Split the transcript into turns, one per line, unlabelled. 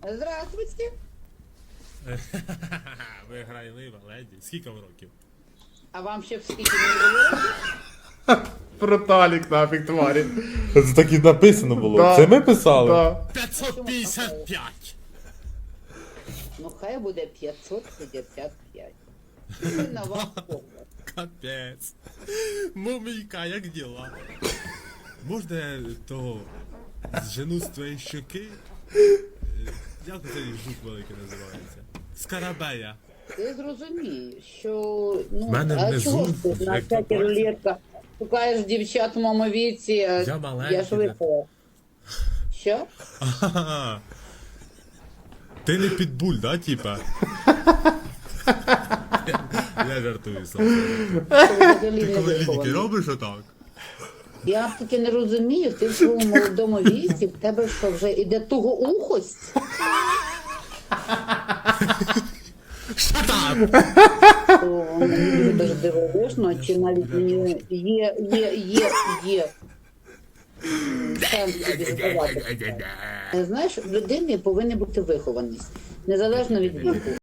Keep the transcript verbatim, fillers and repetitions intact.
Здравствуйте.
Виграйлива леді. Скільки вам років?
А вам ще в скільки не було?
Проталік нафіг тварі.
Це так і написано було.
Да.
Це ми писали?
Да.
п'ятсот п'ятдесят п'ять!
Ну хай буде п'ятсот п'ятдесят п'ять. Це на ваш погляд.
Капець. Мумійка, як діла? Можна я того жену з твоєї щоки? Е, Як цей жук великий називається? Скарабея.
Ти зрозумієш, що ну
В мене
а
внизу,
чого ж ти на
як
всякі
попасти.
рулетка шукаєш дівчат в моєму віці, а
Я маленький,
я швидко. Що?
Ага. Ти не підбуль, да, типа? Я жартую сам.
Ти взагалі не
Ти коли ліньки
вихований.
робиш отак?
Я таки не розумію, ти в своєму молодому віці, в тебе що вже іде тугоухость?
Shut up!
То мені дуже дивовижно, чи навіть мені є, є, є, є сенс тобі задавати. Знаєш, в людини повинна бути вихованість, незалежно від віку.